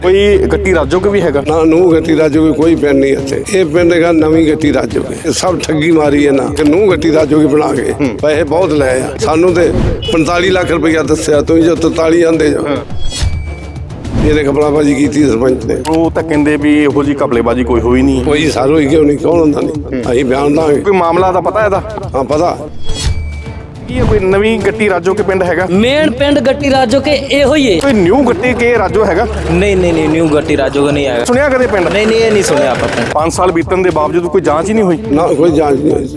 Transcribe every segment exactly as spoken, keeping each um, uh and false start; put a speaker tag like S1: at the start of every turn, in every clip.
S1: कोई गट्टी राजोगे भी हैगा
S2: ना नूह गट्टी राजोगे कोई पिंड नहीं इत्थे ये पिंड है नवीं गट्टी राजोगे सब ठगी मारी है ना कि नूह गट्टी राजोगे बना के पैसे बहुत ले आ सानू ते पैंताली लाख रुपया दस्या तुम जो तरताली आंदे जो ਇਹਨੇ ਕਪਲਾਬਾਜੀ ਕੀਤੀ ਸਰਪੰਚ ਨੇ
S1: ਉਹ ਤਾਂ ਕਹਿੰਦੇ ਵੀ ਇਹੋ ਜੀ ਘਪਲੇਬਾਜੀ ਕੋਈ ਹੋਈ ਨਹੀਂ
S2: ਕੋਈ ਸਾਰੋ ਹੀ ਕਿਉਂ ਨਹੀਂ ਕੌਣ ਹੁੰਦਾ ਨਹੀਂ ਅਸੀਂ ਬਿਆਨ ਦਾਂਗੇ
S1: ਕੋਈ ਮਾਮਲਾ ਤਾਂ ਪਤਾ ਇਹਦਾ
S2: ਹਾਂ ਪਤਾ
S1: ਕੀ ਹੈ ਕੋਈ ਨਵੀਂ ਗੱਟੀ ਰਾਜੋ ਕੇ ਪਿੰਡ ਹੈਗਾ
S3: मेन पिंड गट्टी राजो के ਇਹੋ ਹੀ ਹੈ
S1: ਕੋਈ ਨਿਊ ਗੱਟੀ ਕੇ ਰਾਜੋ ਹੈਗਾ
S3: नहीं नहीं नहीं न्यू गट्टी राजो का नहीं आएगा
S1: ਸੁਣਿਆ ਕਦੇ ਪਿੰਡ
S3: नहीं नहीं ये नहीं सुने आप अपने
S1: ਪੰਜ ਸਾਲ ਬੀਤਣ ਦੇ ਬਾਵਜੂਦ ਕੋਈ ਜਾਂਚ ਹੀ ਨਹੀਂ ਹੋਈ
S2: ਨਾ ਕੋਈ ਜਾਂਚ ਨਹੀਂ ਹੋਈ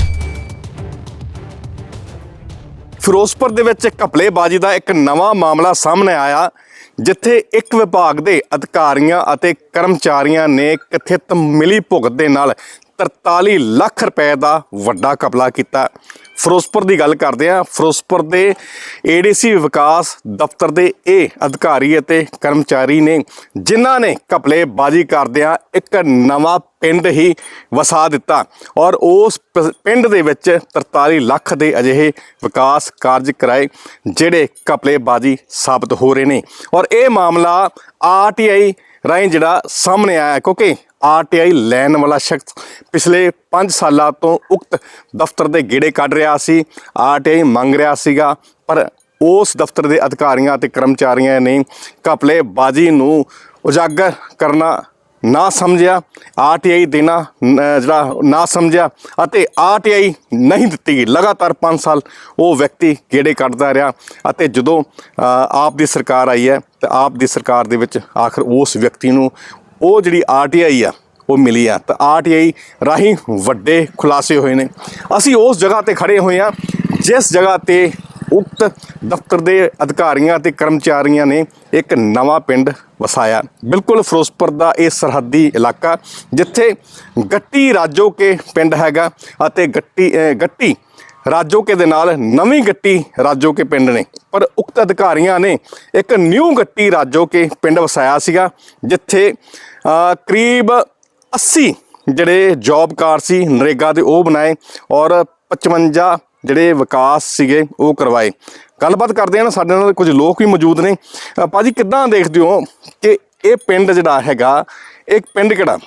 S1: ਫਿਰੋਜ਼ਪੁਰ ਦੇ ਵਿੱਚ ਘਪਲੇਬਾਜੀ ਦਾ ਇੱਕ ਨਵਾਂ ਮਾਮਲਾ ਸਾਹਮਣੇ ਆਇਆ ਜਿੱਥੇ ਇੱਕ ਵਿਭਾਗ ਦੇ ਅਧਿਕਾਰੀਆਂ ਅਤੇ ਕਰਮਚਾਰੀਆਂ ਨੇ ਕਥਿਤ ਮਿਲੀ ਭੁਗਤ ਦੇ ਨਾਲ ਤਰਤਾਲੀ ਲੱਖ ਰੁਪਏ ਦਾ ਵੱਡਾ ਘਪਲਾ ਕੀਤਾ। ਫਿਰੋਜ਼ਪੁਰ ਦੀ ਗੱਲ ਕਰਦੇ ਹਾਂ। ਫਿਰੋਜ਼ਪੁਰ ਦੇ ਏਡੀਸੀ ਵਿਕਾਸ ਦਫ਼ਤਰ ਦੇ ਇਹ ਅਧਿਕਾਰੀ ਅਤੇ ਕਰਮਚਾਰੀ ਨੇ ਜਿਨ੍ਹਾਂ ਨੇ ਘਪਲੇਬਾਜੀ ਕਰਦਿਆਂ ਇੱਕ ਨਵਾਂ ਪਿੰਡ ਹੀ ਵਸਾ ਦਿੱਤਾ ਔਰ ਉਸ ਪ- ਪਿੰਡ ਦੇ ਵਿੱਚ ਤਰਤਾਲੀ ਲੱਖ ਦੇ ਅਜਿਹੇ ਵਿਕਾਸ ਕਾਰਜ ਕਰਾਏ ਜਿਹੜੇ ਘਪਲੇਬਾਜੀ ਸਾਬਤ ਹੋ ਰਹੇ ਨੇ ਔਰ ਇਹ ਮਾਮਲਾ ਆਰ ਟੀ ਆਈ ਰਾਹੀਂ ਜਿਹੜਾ ਸਾਹਮਣੇ ਆਇਆ ਕਿਉਂਕਿ ਆਰ ਟੀ ਆਈ ਲੈਣ ਵਾਲਾ ਸ਼ਖਸ ਪਿਛਲੇ ਪੰਜ ਸਾਲਾਂ ਤੋਂ ਉਕਤ ਦਫ਼ਤਰ ਦੇ ਗੇੜੇ ਕੱਢ ਰਿਹਾ ਸੀ। ਆਰ ਟੀ ਆਈ ਮੰਗ ਰਿਹਾ ਸੀਗਾ ਪਰ ਉਸ ਦਫ਼ਤਰ ਦੇ ਅਧਿਕਾਰੀਆਂ ਅਤੇ ਕਰਮਚਾਰੀਆਂ ਨੇ ਘਪਲੇਬਾਜੀ ਨੂੰ ਉਜਾਗਰ ਕਰਨਾ ਨਾ ਸਮਝਿਆ, ਆਰ ਟੀ ਆਈ ਦੇਣਾ ਨ- ਜਿਹੜਾ ਨਾ ਸਮਝਿਆ ਅਤੇ ਆਰ ਟੀ ਆਈ ਨਹੀਂ ਦਿੱਤੀ ਗਈ। ਲਗਾਤਾਰ ਪੰਜ ਸਾਲ ਉਹ ਵਿਅਕਤੀ ਗੇੜੇ ਕੱਢਦਾ ਰਿਹਾ ਅਤੇ ਜਦੋਂ ਅ, ਆਪ ਦੀ ਸਰਕਾਰ ਆਈ ਹੈ ਤਾਂ ਆਪ ਦੀ ਸਰਕਾਰ ਦੇ ਵਿੱਚ ਆਖਰ ਉਸ ਵਿਅਕਤੀ ਨੂੰ ਉਹ ਜਿਹੜੀ ਆਰ ਟੀ ਆਈ ਆ ਉਹ ਮਿਲੀ ਆ ਤਾਂ ਆਰ ਟੀ ਆਈ ਰਾਹੀਂ ਵੱਡੇ ਖੁਲਾਸੇ ਹੋਏ ਨੇ। ਅਸੀਂ ਉਸ ਜਗ੍ਹਾ ਤੇ ਖੜੇ ਹੋਏ ਹਾਂ ਜਿਸ ਜਗ੍ਹਾ ਤੇ ਉਕਤ ਦਫ਼ਤਰ ਦੇ ਅਧਿਕਾਰੀਆਂ ਅਤੇ ਕਰਮਚਾਰੀਆਂ ਨੇ ਇੱਕ ਨਵਾਂ ਪਿੰਡ ਵਸਾਇਆ। ਬਿਲਕੁਲ ਫਿਰੋਜ਼ਪੁਰ ਦਾ ਇਹ ਸਰਹੱਦੀ ਇਲਾਕਾ ਜਿੱਥੇ ਗੱਟੀ ਰਾਜੋ ਕੇ ਪਿੰਡ ਹੈਗਾ ਅਤੇ ਗੱਟੀ ਅ, ਗੱਟੀ ਰਾਜੋ ਕੇ ਦੇ ਨਾਲ ਨਵੀਂ ਗੱਟੀ ਰਾਜੋ ਕੇ ਪਿੰਡ ਨੇ ਪਰ ਉਕਤ ਅਧਿਕਾਰੀਆਂ ਨੇ ਇੱਕ ਨਿਊ ਗੱਟੀ ਰਾਜੋ ਕੇ ਪਿੰਡ ਵਸਾਇਆ ਸੀਗਾ ਜਿੱਥੇ ਅ, ਕਰੀਬ ਅੱਸੀ ਜਿਹੜੇ ਜੌਬ ਕਾਰਡ ਸੀ ਨਰੇਗਾ ਦੇ ਉਹ ਬਣਾਏ ਔਰ ਪਚਵੰਜਾ ਜਿਹੜੇ ਵਿਕਾਸ ਸੀਗੇ ਉਹ ਕਰਵਾਏ। ਗੱਲਬਾਤ ਕਰਦੇ ਹਾਂ ਸਾਡੇ ਨਾਲ ਕੁਝ ਲੋਕ ਵੀ ਮੌਜੂਦ ਨੇ। ਅ, ਭਾਜੀ ਕਿੱਦਾਂ ਦੇਖਦੇ ਹੋ ਕਿ ਇਹ ਪਿੰਡ ਜਿਹੜਾ ਹੈਗਾ ਇਹ ਪਿੰਡ ਕਿਹੜਾ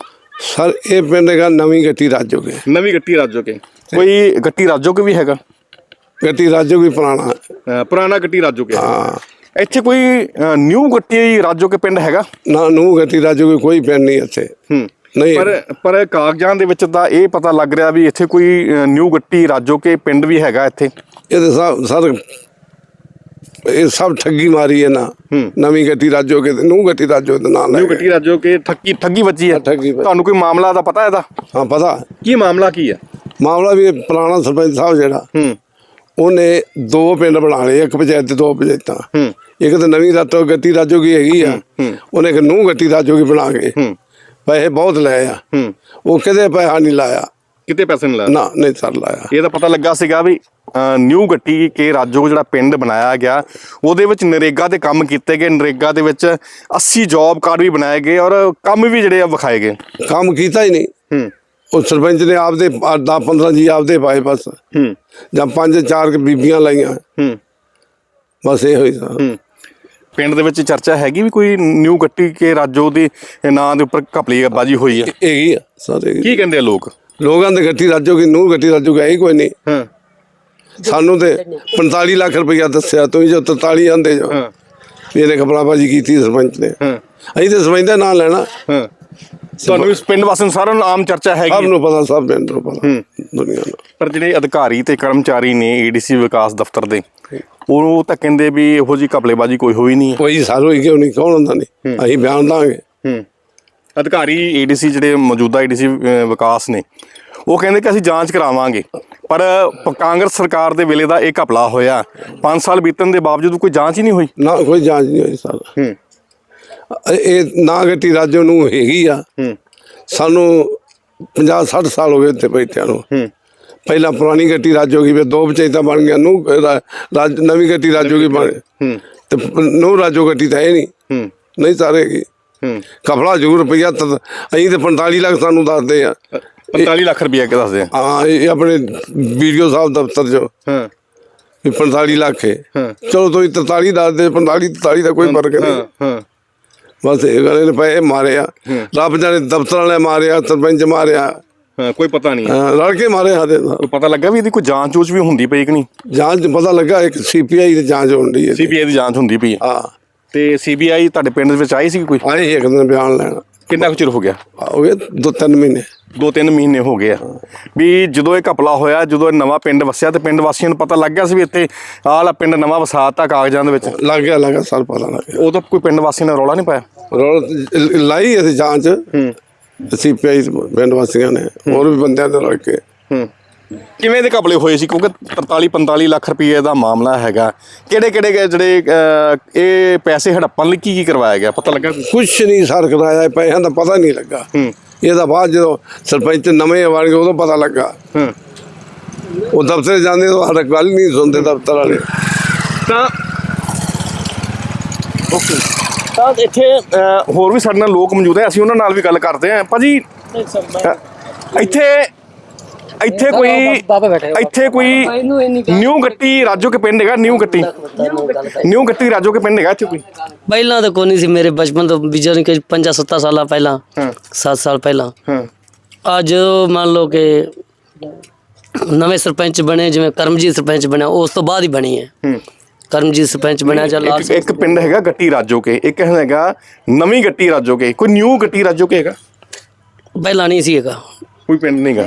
S2: ਸਰ ਇਹ ਪਿੰਡ ਹੈਗਾ ਨਵੀਂ ਗੱਟੀ ਰਾਜੋਗੇ
S1: ਨਵੀਂ ਗੱਟੀ ਰਾਜੋ ਕੇ ਕੋਈ ਗੱਟੀ ਰਾਜੋ ਕੇ ਵੀ ਹੈਗਾ
S2: ਗੱਟੀ ਰਾਜੋਗੇ ਪੁਰਾਣਾ
S1: ਅ, ਪੁਰਾਣਾ ਗੱਟੀ ਰਾਜੋ ਕੇ
S2: ਹਾਂ
S1: ਇੱਥੇ ਕੋਈ ਨਿਊ ਗੱਟੀ ਰਾਜੋ ਕੇ ਪਿੰਡ ਹੈਗਾ
S2: ਨਾ ਨੂਹ ਗੱਟੀ ਰਾਜੋਗੇ ਕੋਈ ਪਿੰਡ ਨਹੀਂ ਇੱਥੇ
S1: ਹੂੰ
S2: ਨਹੀਂ
S1: ਪਰ ਪਰ ਕਾਗਜ਼ਾਂ ਦੇ ਵਿੱਚ ਤਾਂ ਇਹ ਪਤਾ ਲੱਗ ਰਿਹਾ ਵੀ ਇੱਥੇ ਕੋਈ ਨਿਊ ਗੱਟੀ ਰਾਜੋ ਕੇ ਪਿੰਡ ਵੀ ਹੈਗਾ ਇੱਥੇ
S2: ਇਹ ਤਾਂ ਸਭ ਸਰ ਇਹ ਸਭ ਠੱਗੀ ਮਾਰੀ ਹੈ ਨਾ ਨਵੀਂ ਗੱਟੀ ਰਾਜੋਗੇ ਤੇ ਨੂਹ ਗੱਟੀ ਰਾਜੋ ਦੇ ਨਾਲ
S1: ਨਿਊ ਗੱਟੀ ਰਾਜੋ ਕੇ ਠੱਗੀ ਠੱਗੀ ਵੱਜੀ ਹੈ
S2: ਠੱਗੀ ਵੱਜੀ।
S1: ਤੁਹਾਨੂੰ ਕੋਈ ਮਾਮਲਾ ਤਾਂ ਪਤਾ ਇਹਦਾ
S2: ਹਾਂ ਪਤਾ
S1: ਕੀ ਮਾਮਲਾ ਕੀ ਹੈ
S2: ਮਾਮਲਾ ਵੀ ਇਹ ਪੁਰਾਣਾ ਸਰਪੰਚ ਸਾਹਿਬ ਜਿਹੜਾ
S1: ਹੂੰ
S2: ਉਹਨੇ ਦੋ ਪਿੰਡ ਬਣਾ ਲਏ ਇੱਕ ਪੰਚਾਇਤ ਤੇ ਦੋ ਪੰਚਾਇਤਾਂ
S1: ਹੂੰ
S2: ਇੱਕ ਤਾਂ ਨਵੀਂ ਰਾਤੋਂ ਗੱਟੀ ਰਾਜੋਗੀ ਹੈਗੀ ਆ ਉਹਨੇ ਇੱਕ ਨੂਹ ਗੱਟੀ ਰਾਜੋਗੀ ਬਣਾ ਕੇ
S1: ਹੂੰ
S2: ਪੈਸੇ ਬਹੁਤ ਲਏ ਆ
S1: ਹੂੰ
S2: ਉਹ ਕਿਤੇ ਪੈਸਾ ਨਹੀਂ ਲਾਇਆ
S1: ਕਿਤੇ ਪੈਸੇ ਨਹੀਂ ਲਾਇਆ
S2: ਨਾ ਨਹੀਂ ਸਰ ਲਾਇਆ
S1: ਇਹ ਤਾਂ ਪਤਾ ਲੱਗਾ ਸੀਗਾ ਵੀ ਨਿਊ ਗੱਟੀ ਕੇ ਰਾਜੋ ਜਿਹੜਾ ਪਿੰਡ ਬਣਾਇਆ ਗਿਆ ਉਹਦੇ ਵਿੱਚ ਨਰੇਗਾ ਦੇ ਕੰਮ ਕੀਤੇ ਗਏ। ਨਰੇਗਾ ਦੇ ਵਿੱਚ ਅੱਸੀ ਜੌਬ ਕਾਰਡ ਵੀ ਬਣਾਏ ਗਏ ਔਰ ਕੰਮ ਵੀ ਜਿਹੜੇ ਆ ਵਿਖਾਏ ਗਏ।
S2: ਕੰਮ ਕੀਤਾ ਹੀ ਨਹੀਂ
S1: ਹੂੰ
S2: ਉਹ ਸਰਪੰਚ ਨੇ ਆਪਦੇ ਦਸ ਪੰਦਰਾਂ ਜੀ ਆਪਦੇ ਪਾਏ ਬਸ
S1: ਹੂੰ
S2: ਜਾਂ ਪੰਜ ਚਾਰ ਕੁ ਬੀਬੀਆਂ ਲਾਈਆਂ
S1: ਹੂੰ
S2: ਬਸ ਇਹੋ ਹੀ ਸਰ
S1: ਹੂੰ ਪਿੰਡ ਦੇ ਵਿੱਚ ਚਰਚਾ ਹੈਗੀ ਵੀ ਕੋਈ ਨਿਊ ਗੱਟੀ ਕੇ ਰਾਜੋ ਦੇ ਨਾਂ ਦੇ ਉੱਪਰ ਘਪਲੇਬਾਜੀ ਹੋਈ ਹੈ
S2: ਹੈਗੀ ਆ ਸਰ ਹੈਗੀ।
S1: ਕੀ ਕਹਿੰਦੇ ਆ ਲੋਕ
S2: ਲੋਕਾਂ ਦੇ ਗੱਟੀ ਰਾਜੋਗੀ ਨੂਹ ਗੱਟੀ ਰਾਜੋਗੀ ਹੈ ਹੀ ਕੋਈ ਨਹੀਂ
S1: ਹਾਂ
S2: ਸਾਨੂੰ ਤੇ ਪੈਂਤਾਲੀ ਲੱਖ ਰੁਪਇਆ ਦੱਸਿਆ ਤੁਸੀਂ ਜੋ ਤਰਤਾਲੀ ਆਂਦੇ ਜੋ
S1: ਹਾਂ
S2: ਇਹਨੇ ਕਪਲਾਬਾਜੀ ਕੀਤੀ ਸਰਪੰਚ ਨੇ
S1: ਹਾਂ
S2: ਅਸੀਂ ਤੇ ਸਰਪੰਚ ਦਾ ਨਾਂ ਲੈਣਾ
S1: ਹਾਂ ਤੁਹਾਨੂੰ ਇਸ ਪਿੰਡ ਵਾਸਤੇ ਸਾਰਿਆਂ ਨੂੰ ਆਮ ਚਰਚਾ
S2: ਸਭ
S1: ਹੈਗੀ
S2: ਨੂੰ ਪਤਾ ਸਭ ਪਿੰਡ ਨੂੰ ਪਤਾ ਦੁਨੀਆ ਨੂੰ
S1: ਪਰ ਜਿਹੜੇ ਅਧਿਕਾਰੀ ਤੇ ਕਰਮਚਾਰੀ ਨੇ ਏਡੀਸੀ ਵਿਕਾਸ ਦਫ਼ਤਰ ਦੇ ਉਹ ਤਾਂ ਕਹਿੰਦੇ ਵੀ ਇਹੋ ਜੀ ਘਪਲੇਬਾਜੀ ਕੋਈ ਹੋਈ ਨਹੀਂ ਹੈ।
S2: ਕੋਈ ਸਾਰੋ ਹੀ ਕਿਉਂ ਨਹੀਂ ਕੌਣ ਹੁੰਦਾ ਨਹੀਂ ਅਸੀਂ ਬਿਆਨ ਦਾਂਗੇ
S1: ਹੂੰ ਅਧਿਕਾਰੀ ਏਡੀਸੀ ਜਿਹੜੇ ਮੌਜੂਦਾ ਏਡੀਸੀ ਵਿਕਾਸ ਨੇ ਉਹ ਕਹਿੰਦੇ ਕਿ ਅਸੀਂ ਜਾਂਚ ਕਰਾਵਾਂਗੇ ਪਰ ਪ- ਕਾਂਗਰਸ ਸਰਕਾਰ ਦੇ ਵੇਲੇ ਦਾ ਇਹ ਘਪਲਾ ਹੋਇਆ ਪੰਜ ਸਾਲ ਬੀਤਣ ਦੇ ਬਾਵਜੂਦ ਕੋਈ ਜਾਂਚ ਹੀ ਨਹੀਂ ਹੋਈ।
S2: ਨਾ ਕੋਈ ਜਾਂਚ ਨਹੀਂ ਹੋਈ ਸਰ
S1: ਹੂੰ
S2: ਇਹ ਨਾ ਗੱਟੀ ਰਾਜੋ ਨੂੰ ਹੈਗੀ ਆ
S1: ਹੂੰ
S2: ਸਾਨੂੰ ਪੰਜਾਹ ਸੱਠ ਸਾਲ ਹੋ ਗਏ ਇੱਥੇ ਬੈਠਿਆਂ ਨੂੰ
S1: ਹੂੰ
S2: ਪਹਿਲਾਂ ਪੁਰਾਣੀ ਗੱਟੀ ਰਾਜੋਗੀ ਫਿਰ ਦੋ ਪੰਚਾਇਤਾਂ ਬਣ ਗਈਆਂ ਨੂੰ ਰਾਜ ਨਵੀਂ ਗੱਟੀ ਰਾਜੋਗੀ ਬਣ
S1: ਹੂੰ
S2: ਤੇ ਨੂੰ ਰਾਜੋ ਗੱਟੀ ਤਾਂ ਹੈ ਨਹੀਂ
S1: ਹੂੰ
S2: ਨਹੀਂ ਸਾਰੇਗੀ
S1: ਹੂੰ
S2: ਕਪੜਾ ਜ਼ਰੂਰ ਰੁਪਈਆ ਤਾਂ ਅਸੀਂ ਤੇ ਪੰਤਾਲੀ ਲੱਖ ਸਾਨੂੰ ਦੱਸਦੇ ਆ
S1: ਪੰਤਾਲੀ ਲੱਖ ਰੁਪਇਆ ਕਿ ਦੱਸਦੇ ਆ
S2: ਹਾਂ ਇਹ ਆਪਣੇ ਵੀਡੀਓ ਸਾਹਿਬ ਦਫ਼ਤਰ ਚੋਂ
S1: ਹਾਂ
S2: ਵੀ ਪੰਤਾਲੀ ਲੱਖ ਹੈ
S1: ਹਾਂ
S2: ਚਲੋ ਤੁਸੀਂ ਤਰਤਾਲੀ ਦੱਸਦੇ ਪੰਤਾਲੀ ਤਰਤਾਲੀ ਦਾ ਕੋਈ ਫਰਕ ਨਹੀਂ
S1: ਹਾਂ ਹਾਂ
S2: ਬਸ ਇਹ ਗੱਲ ਨੇ ਪਏ ਮਾਰਿਆ ਰੱਬ ਜਾਣੇ ਦਫ਼ਤਰ ਵਾਲੇ ਮਾਰਿਆ ਸਰਪੰਚ ਮਾਰਿਆ
S1: ਹਾਂ, ਕੋਈ ਪਤਾ ਨਹੀਂ
S2: ਹਾਂ, ਰਲ ਕੇ ਮਾਰੇ ਸਾਡੇ ਨਾਲ
S1: ਕੋਈ ਪਤਾ ਲੱਗਾ ਵੀ ਇਹਦੀ ਕੋਈ ਜਾਂਚ ਜੂਚ ਵੀ ਹੁੰਦੀ ਪਈ ਕਿ ਨਹੀਂ?
S2: ਜਾਂਚ 'ਚ ਪਤਾ ਲੱਗਾ ਇੱਕ ਸੀਪੀਆਈ ਦੀ ਜਾਂਚ ਹੋਣ ਡਈ ਹੈ
S1: ਸੀਬੀਆਈ ਦੀ ਜਾਂਚ ਹੁੰਦੀ ਪਈ ਹੈ
S2: ਹਾਂ
S1: ਤੇ ਸੀਬੀਆਈ ਤੁਹਾਡੇ ਪਿੰਡ ਦੇ ਵਿੱਚ ਆਈ ਸੀ ਕੋਈ?
S2: ਆਏ ਸੀ ਇੱਕ ਦਿਨ ਬਿਆਨ ਲੈਣ
S1: ਕਿੰਨਾ ਕੁ ਚਿਰ ਹੋ ਗਿਆ?
S2: ਹੋ ਗਏ ਦੋ ਤਿੰਨ ਮਹੀਨੇ
S1: ਦੋ ਤਿੰਨ ਮਹੀਨੇ ਹੋ ਗਏ ਆ ਵੀ ਜਦੋਂ ਇਹ ਘਪਲਾ ਹੋਇਆ, ਜਦੋਂ ਇਹ ਨਵਾਂ ਪਿੰਡ ਵਸਿਆ ਤੇ ਪਿੰਡ ਵਾਸੀਆਂ ਨੂੰ ਪਤਾ ਲੱਗ ਗਿਆ ਸੀ ਵੀ ਇੱਥੇ ਆਹ ਵਾਲਾ ਪਿੰਡ ਨਵਾਂ ਵਸਾਤਾ ਕਾਗਜ਼ਾਂ ਦੇ ਵਿੱਚ,
S2: ਲੱਗ ਗਿਆ ਲੱਗ ਗਿਆ ਸਰ ਪਤਾ ਲੱਗ ਗਿਆ
S1: ਉਦੋਂ ਕੋਈ ਪਿੰਡ ਵਾਸੀਆਂ ਨੇ ਰੌਲਾ ਨਹੀਂ ਪਾਇਆ?
S2: ਰੋਲ ਲਾਈ ਅਸੀਂ ਜਾਂਚ ਸੀਪੀਆਈ ਪਿੰਡ ਵਾਸੀਆਂ ਨੇ ਹੋਰ ਵੀ ਬੰਦਿਆਂ ਦੇ ਰਲ ਕੇ
S1: ਹੂੰ ਕਿਵੇਂ ਦੇ ਘਪਲੇ ਹੋਏ ਸੀ? ਕਿਉਂਕਿ ਤਰਤਾਲੀ ਪੰਤਾਲੀ ਲੱਖ ਰੁਪਏ ਦਾ ਮਾਮਲਾ ਹੈਗਾ। ਕਿਹੜੇ ਕਿਹੜੇ ਜਿਹੜੇ ਅਹ, ਇਹ ਪੈਸੇ ਹੜੱਪਣ ਲਈ ਕੀ ਕੀ ਕਰਵਾਇਆ ਗਿਆ, ਪਤਾ ਲੱਗਾ?
S2: ਕੁਛ ਨਹੀਂ ਸਰ ਕਰਾਇਆ ਪੈਸਿਆਂ ਦਾ ਪਤਾ ਨਹੀਂ ਲੱਗਾ
S1: ਹੂੰ
S2: ਇਹਦਾ ਬਾਅਦ ਜਦੋਂ ਸਰਪੰਚ ਨਵੇਂ ਬਣ ਗਏ ਉਦੋਂ ਪਤਾ ਲੱਗਾ
S1: ਹੂੰ
S2: ਉਹ ਦਫ਼ਤਰ ਜਾਂਦੇ ਤਾਂ ਸਾਡਾ ਗੱਲ ਨਹੀਂ ਸੁਣਦੇ ਦਫ਼ਤਰ ਵਾਲੇ
S1: ਤਾਂ ਓਕੇ ਤਾਂ ਇੱਥੇ ਅਹ, ਹੋਰ ਵੀ ਸਾਡੇ ਨਾਲ ਲੋਕ ਮੌਜੂਦ ਹੈ, ਅਸੀਂ ਉਹਨਾਂ ਨਾਲ ਵੀ ਗੱਲ ਕਰਦੇ ਹਾਂ। ਭਾਜੀ ਅਹ, ਇੱਥੇ ਇੱਥੇ ਕੋਈ ਇੱਥੇ ਕੋਈ ਨਿਊ ਗੱਟੀ ਰਾਜੋ ਕੇ ਪਿੰਡ ਹੈਗਾ? ਨਿਊ ਗੱਟੀ ਨਿਊ ਗੱਟੀ ਰਾਜੋ ਕੇ ਪਿੰਡ ਹੈਗਾ ਇੱਥੇ ਕੋਈ?
S3: ਪਹਿਲਾਂ ਤਾਂ ਕੋਈ ਨਹੀਂ ਸੀ, ਮੇਰੇ ਬਚਪਨ ਤੋਂ ਬਿਜਨ ਕੇ ਪੰਜਾਂ ਸੱਤਾਂ ਸਾਲਾਂ ਪਹਿਲਾਂ,
S1: ਹਾਂ
S3: ਸੱਤ ਸਾਲ ਪਹਿਲਾਂ।
S1: ਹਾਂ
S3: ਅੱਜ ਮੰਨ ਲਓ ਕਿ ਨਵੇਂ ਸਰਪੰਚ ਬਣੇ, ਜਿਵੇਂ ਕਰਮਜੀਤ ਸਰਪੰਚ ਬਣਿਆ ਉਸ ਤੋਂ ਬਾਅਦ ਹੀ ਬਣੀ ਹੈ।
S1: ਹੂੰ
S3: ਕਰਮਜੀਤ ਸਰਪੰਚ ਬਣਿਆ ਜਾਂ
S1: ਇੱਕ
S3: ਲਾਸਟ
S1: ਇੱਕ ਪਿੰਡ ਹੈਗਾ ਗੱਟੀ ਰਾਜੋ ਕੇ, ਇੱਕ ਹੈਗਾ ਨਵੀਂ ਗੱਟੀ ਰਾਜੋ ਕੇ, ਕੋਈ ਨਿਊ ਗੱਟੀ ਰਾਜੋ ਕੇ ਹੈਗਾ?
S3: ਪਹਿਲਾਂ ਨਹੀਂ ਸੀ ਹੈਗਾ
S1: ਕੋਈ ਪਿੰਡ ਨਹੀਂਗਾ।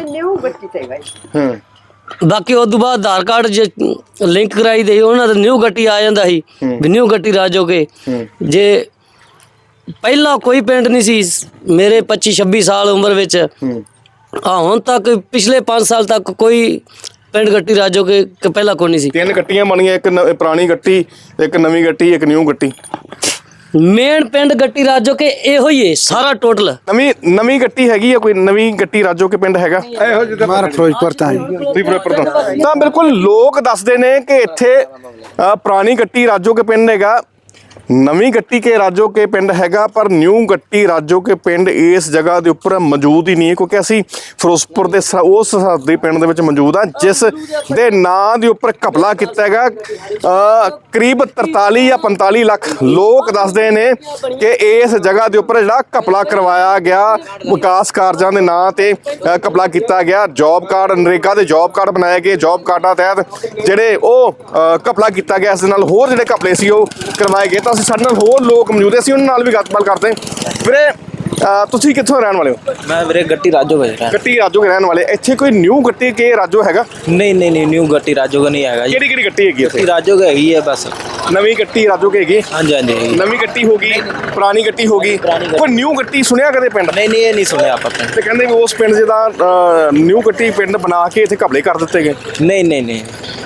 S1: ਹਾਂ
S3: ਬਾਕੀ ਉਸ ਤੋਂ ਬਾਅਦ ਆਧਾਰ ਕਾਰਡ ਜੇ ਲਿੰਕ ਕਰਾਈ ਦੇ ਉਹਨਾਂ ਦਾ ਨਿਊ ਗੱਟੀ ਆ ਜਾਂਦਾ ਸੀ ਵੀ ਨਿਊ ਗੱਟੀ ਰਾਜੋ ਕੇ। ਜੇ ਪਹਿਲਾਂ ਕੋਈ ਪਿੰਡ ਨਹੀਂ ਸੀ ਮੇਰੇ ਪੱਚੀ ਛੱਬੀ ਸਾਲ ਉਮਰ ਵਿੱਚ, ਆ ਹੁਣ ਤੱਕ ਪਿਛਲੇ ਪੰਜ ਸਾਲ ਤੱਕ ਕੋਈ ਪਿੰਡ ਗੱਟੀ ਰਾਜੋ ਕੇ ਕਿ ਪਹਿਲਾਂ ਕੋਈ ਨਹੀਂ ਸੀ।
S1: ਤਿੰਨ ਗੱਟੀਆਂ ਬਣੀਆਂ, ਇੱਕ ਨ- ਪੁਰਾਣੀ ਗੱਟੀ, ਇੱਕ ਨਵੀਂ ਗੱਟੀ, ਇੱਕ ਨਿਊ ਗੱਟੀ।
S3: ਮੇਨ ਪਿੰਡ ਗੱਟੀ ਰਾਜੋ ਕੇ ਇਹੋ ਹੀ ਹੈ ਸਾਰਾ ਟੋਟਲ।
S1: ਨਵੀਂ ਨਵੀਂ ਗੱਟੀ ਹੈਗੀ ਆ ਕੋਈ? ਨਵੀਂ ਗੱਟੀ ਰਾਜੋ ਕੇ ਪਿੰਡ ਹੈਗਾ?
S4: ਮਾਰਾ ਫਿਰੋਜ਼ਪੁਰ ਤਾਂ
S1: ਤੁਸੀਂ ਫਿਰੋਜ਼ਪੁਰ ਤੋਂ? ਤਾਂ ਬਿਲਕੁਲ ਲੋਕ ਦੱਸਦੇ ਨੇ ਕਿ ਇੱਥੇ ਅ, ਪੁਰਾਣੀ ਗੱਟੀ ਰਾਜੋ ਕੇ ਪਿੰਡ ਹੈਗਾ, ਨਵੀਂ ਗੱਟੀ ਕੇ ਰਾਜੋ ਕੇ ਪਿੰਡ ਹੈਗਾ, ਪਰ ਨਿਊ ਗੱਟੀ ਰਾਜੋ ਕੇ ਪਿੰਡ ਇਸ ਜਗ੍ਹਾ ਦੇ ਉੱਪਰ ਮੌਜੂਦ ਹੀ ਨਹੀਂ ਹੈ, ਕਿਉਂਕਿ ਅਸੀਂ ਫਿਰੋਜ਼ਪੁਰ ਦੇ ਸ- ਉਸ ਸਰਹੱਦੀ ਪਿੰਡ ਦੇ ਵਿੱਚ ਮੌਜੂਦ ਆ ਜਿਸ ਦੇ ਨਾਂ ਦੇ ਉੱਪਰ ਘਪਲਾ ਕੀਤਾ ਹੈਗਾ। ਅ, ਕਰੀਬ ਤਰਤਾਲੀ ਜਾਂ ਪੰਤਾਲੀ ਲੱਖ ਲੋਕ ਦੱਸਦੇ ਨੇ ਕਿ ਇਸ ਜਗ੍ਹਾ ਦੇ ਉੱਪਰ ਜਿਹੜਾ ਘਪਲਾ ਕਰਵਾਇਆ ਗਿਆ, ਵਿਕਾਸ ਕਾਰਜਾਂ ਦੇ ਨਾਂ ਤੇ ਅ, ਘਪਲਾ ਕੀਤਾ ਗਿਆ। ਜੌਬ ਕਾਰਡ, ਨਰੇਗਾ ਦੇ ਜੌਬ ਕਾਰਡ ਬਣਾਏ ਗਏ, ਜੌਬ ਕਾਰਡਾਂ ਤਹਿਤ ਜਿਹੜੇ ਉਹ ਅ, ਘਪਲਾ ਕੀਤਾ ਗਿਆ। ਇਸ ਦੇ ਨਾਲ ਹੋਰ ਜਿਹੜੇ ਘਪਲੇ ਸੀ ਉਹ ਕਰਵਾਏ ਗਏ। ਤਾਂ ਅਸੀਂ ਸਾਡੇ ਨਾਲ ਹੋਰ ਲੋਕ ਮੌਜੂਦ ਹੈ, ਅਸੀਂ ਉਹਨਾਂ ਨਾਲ ਵੀ ਗੱਲਬਾਤ ਕਰਦੇ ਹਾਂ। ਵੀਰੇ ਅ, ਤੁਸੀਂ ਕਿੱਥੋਂ ਰਹਿਣ ਵਾਲੇ ਹੋ?
S3: ਮੈਂ ਵੀਰੇ ਗੱਟੀ ਰਾਜੋ ਵੇਚ ਰਿਹਾ।
S1: ਗੱਟੀ ਰਾਜੋ ਕੇ ਰਹਿਣ ਵਾਲੇ। ਇੱਥੇ ਕੋਈ ਨਿਊ ਗੱਟੀ ਕੇ ਰਾਜੋ ਹੈਗਾ?
S3: ਨਹੀਂ ਨਹੀਂ ਨਹੀਂ ਨਿਊ ਗੱਟੀ ਰਾਜੋ का नहीं आएगा जी।
S1: ਕਿਹੜੀ ਕਿਹੜੀ ਗੱਟੀ ਹੈਗੀ ਇੱਥੇ?
S3: राजो का ही है बस।
S1: ਨਵੀਂ ਗੱਟੀ ਰਾਜੋ ਕੇ ਹੈਗੀ?
S3: हाँ जी हाँ जी।
S1: ਨਵੀਂ ਗੱਟੀ ਹੋ ਗਈ, ਪੁਰਾਣੀ ਗੱਟੀ ਹੋ ਗਈ, ਕੋਈ ਨਿਊ ਗੱਟੀ ਸੁਣਿਆ ਕਦੇ ਪਿੰਡ?
S3: नहीं नहीं ये नहीं सुने आप अपने।
S1: ਤੇ ਕਹਿੰਦੇ ਵੀ ਉਸ ਪਿੰਡ ਜਿਹਦਾ ਨਿਊ ਗੱਟੀ ਪਿੰਡ ਬਣਾ ਕੇ ਇੱਥੇ ਘਪਲੇ ਕਰ ਦਿੱਤੇ ਗਏ।
S3: नहीं नहीं नहीं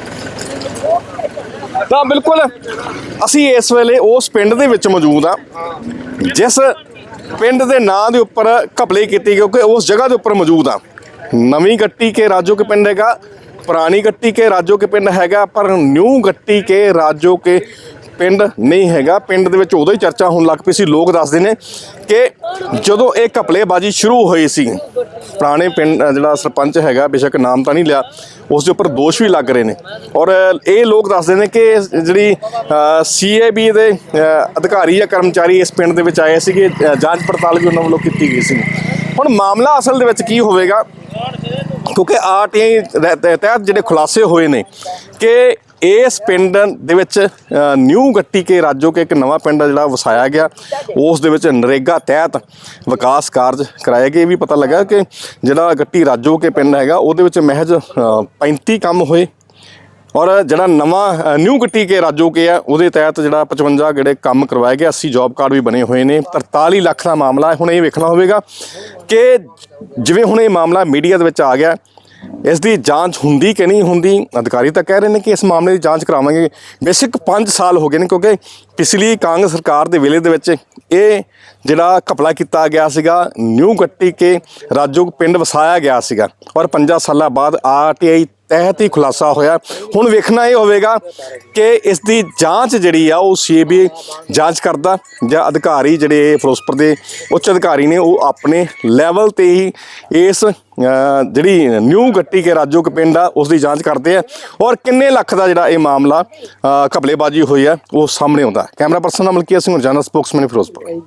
S1: ਤਾਂ ਬਿਲਕੁਲ ਅਸੀਂ ਇਸ ਵੇਲੇ ਉਸ ਪਿੰਡ ਦੇ ਵਿੱਚ ਮੌਜੂਦ ਆ ਜਿਸ ਪਿੰਡ ਦੇ ਨਾਂ ਦੇ ਉੱਪਰ ਘਪਲੇ ਕੀਤੇ ਗਏ, ਕਿਉਂਕਿ ਉਸ ਜਗ੍ਹਾ ਦੇ ਉੱਪਰ ਮੌਜੂਦ ਆ। ਨਵੀਂ ਗੱਟੀ ਕੇ ਰਾਜੋ ਕੇ ਪਿੰਡ ਹੈਗਾ, ਪੁਰਾਣੀ ਗੱਟੀ ਕੇ ਰਾਜੋ ਕੇ ਪਿੰਡ ਹੈਗਾ, ਪਰ ਨਿਊ ਗੱਟੀ ਕੇ ਰਾਜੋ ਕੇ ਪਿੰਡ ਨਹੀਂ ਹੈਗਾ। ਪਿੰਡ ਦੇ ਵਿੱਚ ਉਦੋਂ ਹੀ ਚਰਚਾ ਹੋਣ ਲੱਗ ਪਈ ਸੀ। ਲੋਕ ਦੱਸਦੇ ਨੇ ਕਿ ਜਦੋਂ ਇਹ ਘਪਲੇਬਾਜ਼ੀ ਸ਼ੁਰੂ ਹੋਈ ਸੀ, ਪੁਰਾਣੇ ਪਿੰਡ ਜਿਹੜਾ ਸਰਪੰਚ ਹੈਗਾ, ਬੇਸ਼ੱਕ ਨਾਮ ਤਾਂ ਨਹੀਂ ਲਿਆ, ਉਸ ਦੇ ਉੱਪਰ ਦੋਸ਼ ਵੀ ਲੱਗ ਰਹੇ ਨੇ। ਔਰ ਇਹ ਲੋਕ ਦੱਸਦੇ ਨੇ ਕਿ ਜਿਹੜੀ ਸੀ ਏ ਬੀ ਦੇ ਅ, ਅਧਿਕਾਰੀ ਜਾਂ ਕਰਮਚਾਰੀ ਇਸ ਪਿੰਡ ਦੇ ਵਿੱਚ ਆਏ ਸੀਗੇ, ਅ, ਜਾਂਚ ਪੜਤਾਲ ਵੀ ਉਹਨਾਂ ਵੱਲੋਂ ਕੀਤੀ ਗਈ ਸੀ। ਹੁਣ ਮਾਮਲਾ ਅਸਲ ਦੇ ਵਿੱਚ ਕੀ ਹੋਵੇਗਾ, ਕਿਉਂਕਿ ਆਰ ਟੀ ਆਈ ਤਹਿਤ ਜਿਹੜੇ ਖੁਲਾਸੇ ਹੋਏ ਨੇ ਕਿ ਇਸ ਪਿੰਡ ਦੇ ਵਿੱਚ ਨਿਊ ਗੱਟੀ ਕੇ ਰਾਜੋ ਕੇ ਇੱਕ ਨਵਾਂ ਪਿੰਡ ਜਿਹੜਾ ਵਸਾਇਆ ਗਿਆ, ਉਸ ਦੇ ਵਿੱਚ ਨਰੇਗਾ ਤਹਿਤ ਵਿਕਾਸ ਕਾਰਜ ਕਰਾਏ ਗਏ। ਵੀ ਪਤਾ ਲੱਗਾ ਕਿ ਜਿਹੜਾ ਗੱਟੀ ਰਾਜੋ ਕੇ ਪਿੰਡ ਹੈਗਾ ਉਹਦੇ ਵਿੱਚ ਮਹਿਜ਼ ਪੈਂਤੀ ਕੰਮ ਹੋਏ, ਔਰ ਜਿਹੜਾ ਨਵਾਂ ਨਿਊ ਗੱਟੀ ਕੇ ਰਾਜੋ ਕੇ ਆ ਉਹਦੇ ਤਹਿਤ ਜਿਹੜਾ ਪਚਵੰਜਾ ਜਿਹੜੇ ਕੰਮ ਕਰਵਾਏ ਗਏ, ਅੱਸੀ ਜੌਬ ਕਾਰਡ ਵੀ ਬਣੇ ਹੋਏ ਨੇ। ਤਰਤਾਲੀ ਲੱਖ ਦਾ ਮਾਮਲਾ ਹੈ। ਹੁਣ ਇਹ ਵੇਖਣਾ ਹੋਵੇਗਾ ਕਿ ਜਿਵੇਂ ਹੁਣ ਇਹ ਮਾਮਲਾ ਮੀਡੀਆ ਦੇ ਵਿੱਚ ਆ ਗਿਆ, ਇਸ ਦੀ ਜਾਂਚ ਹੁੰਦੀ ਕਿ ਨਹੀਂ ਹੁੰਦੀ। ਅਧਿਕਾਰੀ ਤਾਂ ਕਹਿ ਰਹੇ ਨੇ ਕਿ ਇਸ ਮਾਮਲੇ ਦੀ ਜਾਂਚ ਕਰਾਵਾਂਗੇ। ਬੇਸਿਕ ਪੰਜ ਸਾਲ ਹੋ ਗਏ ਨੇ, ਕਿਉਂਕਿ ਪਿਛਲੀ ਕਾਂਗਰਸ ਸਰਕਾਰ ਦੇ ਵੇਲੇ ਦੇ ਵਿੱਚ ਇਹ ਜਿਹੜਾ ਘਪਲਾ ਕੀਤਾ ਗਿਆ ਸੀਗਾ, ਨਿਊ ਗੱਟੀ ਕੇ ਰਾਜੋ ਪਿੰਡ ਵਸਾਇਆ ਗਿਆ ਸੀਗਾ, ਔਰ ਪੰਜਾਂ ਸਾਲਾਂ ਬਾਅਦ ਆਰ ਟੀ ਆਈ ਤਹਿਤ ਹੀ ਖੁਲਾਸਾ ਹੋਇਆ। ਹੁਣ ਵੇਖਣਾ ਇਹ ਹੋਵੇਗਾ ਕਿ ਇਸ ਦੀ ਜਾਂਚ ਜਿਹੜੀ ਆ ਉਹ ਸੀ ਬੀ ਆਈ ਜਾਂਚ ਕਰਦਾ, ਜਾਂ ਅਧਿਕਾਰੀ ਜਿਹੜੇ ਫਿਰੋਜ਼ਪੁਰ ਦੇ ਉੱਚ ਅਧਿਕਾਰੀ ਨੇ ਉਹ ਆਪਣੇ ਲੈਵਲ ਤੇ ਹੀ ਇਸ ਜਿਹੜੀ ਨਿਊ ਗੱਟੀ ਕੇ ਰਾਜੋ ਕੇ ਪਿੰਡ ਆ ਉਸ ਦੀ ਜਾਂਚ ਕਰਦੇ ਆ, ਔਰ ਕਿੰਨੇ ਲੱਖ ਦਾ ਜਿਹੜਾ ਇਹ ਮਾਮਲਾ ਘਪਲੇਬਾਜ਼ੀ ਹੋਈ ਆ ਉਹ ਸਾਹਮਣੇ ਆਉਂਦਾ। ਕੈਮਰਾ ਪਰਸਨ ਮਲਕੀਤ ਸਿੰਘ, ਰੋਜ਼ਾਨਾ ਸਪੋਕਸਮੈਨ ਫਿਰੋਜ਼ਪੁਰ।